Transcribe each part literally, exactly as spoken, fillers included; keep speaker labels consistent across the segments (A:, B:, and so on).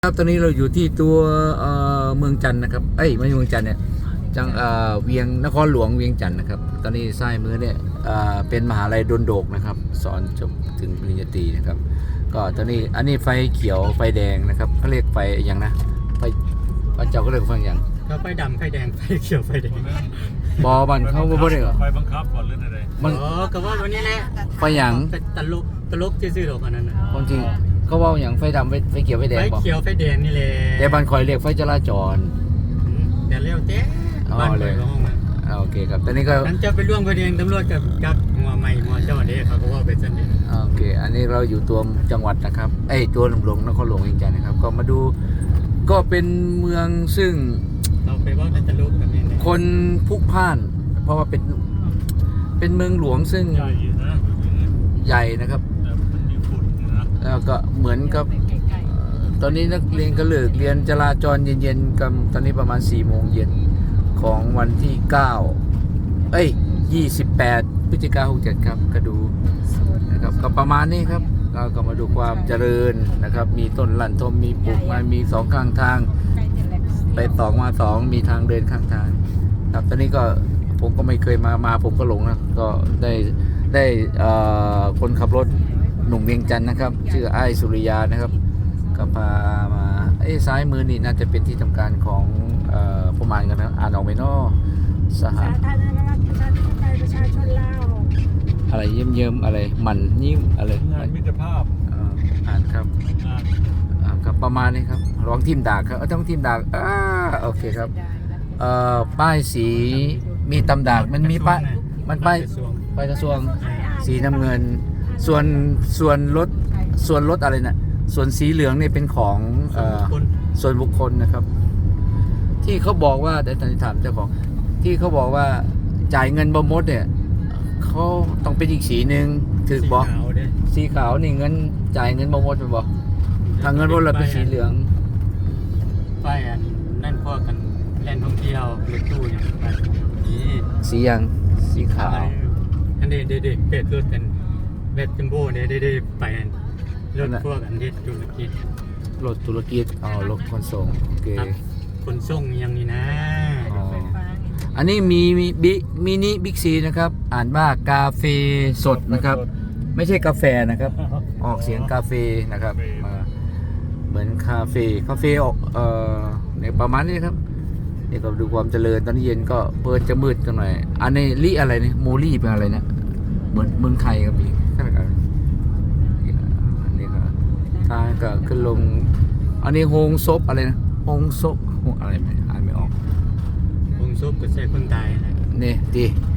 A: ครับตอนนี้เราอยู่ที่ตัวเอ่อเมืองจันทร์นะครับเอ้ยไม่ใช่เมืองจันทร์เนี่ยจังเอ่อเวียงนครหลวงเวียงจันทร์นะครับตอนนี้ซ้ายมือเนี่ยเอ่อเป็นมหาลัยดลโดกนะครับสอนจบถึงปริญญาตรีนะครับก็ตอนนี้อันนี้ไฟเขียวไฟแดงนะครับเขาเรียกไฟอย่างนะไฟพระเจ้าก็เรียกไฟอย่าง
B: ก็ไฟดำไฟแดงไฟเขียวไฟแดง
A: บอบันเขาบ่ได้เหรอ
C: ไฟบังคับก่อนเรื่องอะไร
A: มัน
B: อ๋อก็ว่าวันนี้แหละ
A: ไฟอย่าง
B: เป็นตลกตลกซื่อๆหรอกอันนั้นน่ะ
A: ความจริงเขาว่าอย่างไฟดำไฟไฟเขียวไฟแด
B: ไฟ
A: งบอก
B: เขียวไฟแดงนี่แหละ
A: แต่บันคอยเรียกไฟจราจร
B: อืมแต่เร็วเจ๊
A: อ๋อ
B: บ้าน
A: เล
B: เปิ
A: ย
B: ดห้องมา
A: อ่าโอเคครับตอนนี้ก็
B: นั้นจะไปร่วมประเด็นตำรวจกับกับหัวใหม่หัวเจ้าเด้เขาก็ว่าเป็นสันเด
A: โอเค อันนี้เราอยู่ตัวจังหวัดนะครับเอ้ยตัวหลวงนครหลวงเวียงจันทร์นะครับ ก็มาดู ก็เป็นเมืองซึ่ง
B: เราไปว่าในตลกแบบนี้เนี่ย
A: คนพลุกพล่าน เพราะว่าเป็น เป็นเมืองหลวงซึ่ง
C: ใหญ่นะ
A: ใหญ่นะครับ
C: แต่มันมีฝุ่นนะ
A: แล้วก็เหมือนกับเอ่อตอนนี้นักเรียนก็เลิกเรียนจราจรเย็นๆกันตอนนี้ประมาณสี่โมงเย็นของวันที่เก้าเอ้ยยี่สิบแปดพฤศจิกายนหกเจ็ดครับ ก็ดูนะครับก็ประมาณนี้ครับเราก็มาดูความเจริญนะครับ มีต้นลั่นทมมีปลูกไม้มีสองข้างทาง ไปสองมาสองมีทางเดินข้างทางครับตอนนี้ก็ผมก็ไม่เคยมามาผมก็หลงนะก็ได้ได้เอ่อคนขับรถหนุ่มเวียงจันทร์นะครับ ชื่อไอ้สุริยานะครับก็พามาไอ้ซ้ายมือนี่น่าจะเป็นที่ทำการของเอ่อผมอ่านกันนะอ่านออกไหมเนาะสห
D: สาธารณรัฐประชาธิปไตยประชาชนลาว
A: อะไรเยิ้มเยิ้มๆอะไรมันยิ้มอะไร
C: งานมิตรภาพ
A: เอ่ออ่านครับ
C: งาน
A: อ่าครับประมาณนี้ครับร้องทีมดากครับเอ้าต้องทีมดากอ่าโอเคครับเอ่อป้ายสีมีตำดากมันมีป้ายมันป้าย
B: กระทรวง
A: ป้ายกระทรวงสีน้ำเงิน ส่วนส่วนรถส่วนรถอะไรนะส่วนสีเหลืองเนี่ยเป็นของเอ่อ
B: คน
A: ส่วนบุคคลนะครับ ที่เขาบอกว่าแต่ตอนนี้ถามเจ้าของที่เขาบอกว่าจ่ายเงินบมดเนี่ยเขาต้องเป็นอีกสีหนึ่งถือบอก
B: สีขาวเด้
A: สีขาวนี่เงินจ่ายเงินบมดเป็นบอกทางเงินบมดเราเป็นสีเหลือง
B: ป้ายอันนั่นพวกกันแล่นท่องเที่ยวรถตู้อย่างไปนี่
A: สียังสีขาว
B: อันเด็ดเด็ดเป็ดรถกันเบ็ดจัมโบ้เนี่ยได้ไปอันรถพวกอันเด็ดธุรกิจ
A: รถธุรกิจอ๋อรถขนส่งโอเค
B: ครับคนส่งอย่างนี้นะ
A: อ๋ออันนี้มีมีบิมินิบิ๊กซีนะครับ อ่านว่ากาเฟสดนะครับ ไม่ใช่กาแฟนะครับ ออกเสียงกาเฟนะครับมาเหมือนคาเฟ่คาเฟ่ออกเอ่อเนี่ยประมาณนี้ครับนี่ก็ดูความเจริญตอนนี้เย็นก็เปิดจะมืดกันหน่อย อันนี้ลี่อะไรเนี่ยโมลี่เป็นอะไรเนี่ยเหมือนเมืองไทยก็มีข้างกันอันนี้ก็ทางก็ขึ้นลง อันนี้โฮงซบอะไรนะโฮงซบโฮงอะไรไม่อ่านไม่ออก
B: วงซุปก็ใส่คนตายนะ
A: นี่ดี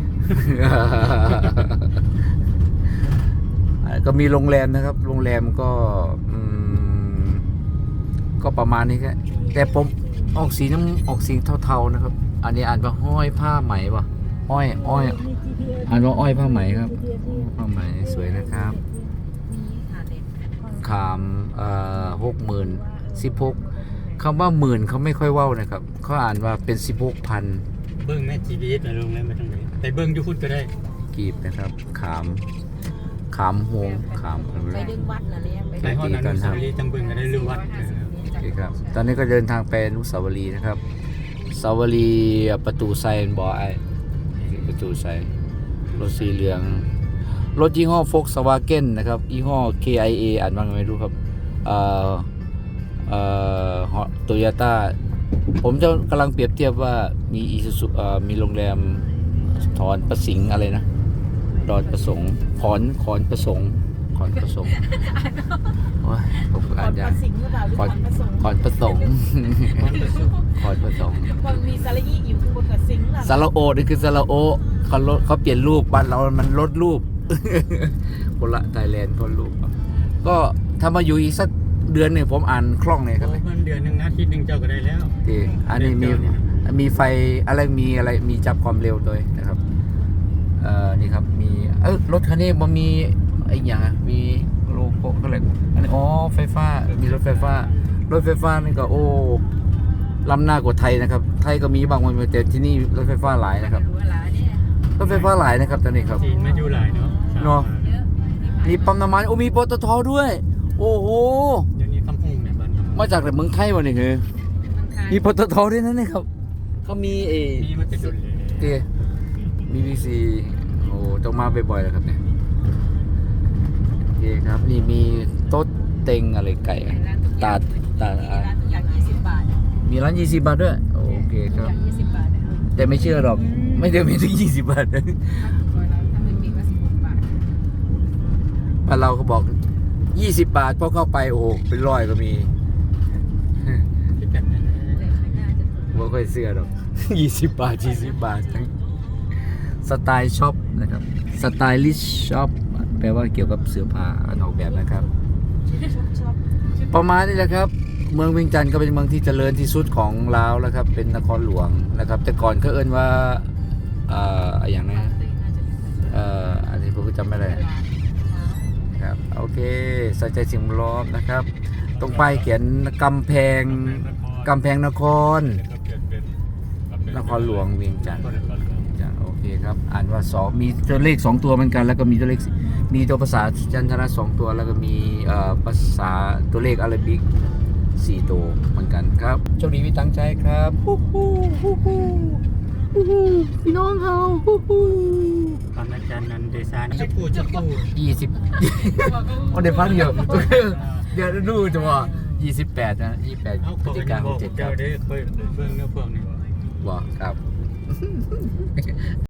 A: ก็มีโรงแรมนะครับ โรงแรมก็อืมก็ประมาณนี้แค่แต่ผมออกสีน้ำออกสีเทาๆนะครับ อันนี้อ่านว่าห้อยผ้าไหมวะอ้อยอ้อยอ่านว่าอ้อยผ้าไหมครับผ้าไหมสวยนะครับขามเอ่อหกหมื่นสิบหกคำว่าหมื่นเขาไม่ค่อยเว้านะครับเขาอ่านว่าเป็นสิบหกพัน
B: เบิ้งแม่จีบีเอสลงแล้วมาทางไหนแต่เบิ้งยูฟุตก็ได้
A: กีบนะครับ ขามขามหวงขามอะไร
D: ไปดึงวัดนะเนี่ยไป
B: ในห้องอนุสาวรีย์จังเบิ้งก็ได้รู้วัดเออ
A: โอเคครับ ตอนนี้ก็เดินทางไปอนุสาวรีย์นะครับสาวรีย์ประตูไซน์บอไอประตูไซน์รถสีเหลือง รถยี่ห้อโฟกสวาเก้นนะครับ ยี่ห้อ เค ไอ เอ อ่านว่าไงไม่รู้ครับ เอ่อ เอ่อโตโยต้า ผมจะกำลังเปรียบเทียบว่ามีอีซูซูเอ่อมีโรงแรมถอนประสิงห์อะไรนะ ดอนประสงค์ขอนขอนประสงค์ขอนประสงค์โอ้ยผม
D: ก่
A: อ่า
D: อน น
A: ยา
D: ป
A: ก
D: ระสิงห์หรือเปล่าหรือ
A: ขอน
D: ก่อนประสงค์
A: ขอนประสงค์
B: ห้องประชุม
A: ขอนประสงค์
D: มันมีสระอีอยู่บนกับสิงห์ล่ะ
A: ซาลาโอนี่คือซาลาโอเขาลดเขาเปลี่ยนรูปบ้านเรามันลดรูป คนละไทยแลนด์คนรูปครับก็ถ้ามาอยู่อีกสักเดือนหนึ่งผมอ่านคล่องเลยครับ
B: โอ้มันเดือนหนึ่งอาทิตย์หนึ่งเจ้าก็ได้แล้ว
A: ดีอันนี้มีมีไฟอะไรมีอะไรมีจับความเร็วด้วยนะครับเอ่อนี่ครับมีเออรถคันนี้มันมีไอ้อย่างอะมีโลโก้ก็เลยอันนี้อ๋อไฟฟ้ามีรถไฟฟ้ารถไฟฟ้านี่ก็โอ้ล้ำหน้ากว่าไทยนะครับ ไทยก็มีบางวันแต่ที่นี่รถไฟฟ้าหลายนะครับ
D: เวลาเนี่ย
A: รถไฟฟ้าหลายนะครับตอนนี้ครับ
B: จีนมาอยู่หลายเนาะ
A: เนาะ มีปั๊มน้ำมันโอ้มีปตทด้วย โอ้โห
B: เดี๋ยวนี้คำพูดเนี่ยบ้านคำพู
A: มาจากแต่เมืองไทยวะนี่คือ
D: มันคาย
A: มีปตทด้วยนะเนี่ยครับเขามีเอ
B: มีมันจะดุลเลย
A: เตมีวีซีโอ้ต้องมาบ่อยๆแล้วครับเนี่ยโอเคครับ นี่มีโต๊ะเต็งอะไรไก่อะตาดตาด
D: มี
A: อ่ะ
D: ร้านทุกอย่างยี่สิบบาท
A: มีร้านยี่สิบบาทด้วยโอเค
D: ทุ
A: ค
D: ก
A: รับ
D: อย่างยี่สิบบาทนะ
A: แต่ไม่เชื่อหรอก ไม่ได้มีถึงยี่สิบบาทนะ
D: ถ้าถูกกว่าเราถ้ามันมีว่าสิบหกบาท
A: บ้านเราเขาบอกยี่สิบบาทพอเข้าไปโอ้โหเป็นร้อยก็มี
B: ที่กันนั่นแหละ
D: แต่ไม่น่าจะถูก
A: ไม่ค่อยเชื่อหรอก ยี่สิบบาทยี่สิบบาททั้งสไตล์ช็อปนะครับสไตลิชช็อปแปลว่าเกี่ยวกับเสื้อผ้าออกแบบนะครับ
D: ชอบชอบ
A: ประมาณนี้แหละครับ เมืองเวียงจันทร์ก็เป็นเมืองที่เจริญที่สุดของลาวแล้วครับ เป็นนครหลวงนะครับ แต่ก่อนก็เอิ้นว่าเอ่ออย่างไรนะเอ่ออันนี้ผมก็จำไม่ได้ครับโอเคใส่ใจสิ่งแวดล้อมนะครับ ตรงป้ายเขียนกำแพงกำแพงนคร
C: ก็เปลี่ยนเป็น
A: นครหลวงเวียงจันทร์
C: นครหลวง
A: จ้ะโอเคครับ อ่านว่าสองมีตัวเลขสองตัวเหมือนกัน แล้วก็มีตัวเลขมีตัวภาษาจันทนะสองตัว แล้วก็มีเอ่อภาษาตัวเลขอาราบิกสี่ตัวเหมือนกันครับโชคดีพี่ตั้งใจครับฮู้ฮู้ฮู้ฮู้ฮู้ฮู้พี่น้องเฮาฮู้ฮู้
B: ตอนอาจารย์นันเดซานจะพูดจะพูด
A: ยี่สิบโอ้เดี๋ยวพักเดียวเดี๋ยวดูจะว่ายี่สิบแปดนะยี่สิบแปด
B: เอา
A: พ
B: ข
A: ฤ
B: อ
A: ศจิ
B: ง
A: กา
B: บ
A: ห
B: อก
A: กเจ็ดค
B: เจ้า
A: รับ
B: ได้เคยเบิ่งเนื้อพวกนี้
A: บอกครับ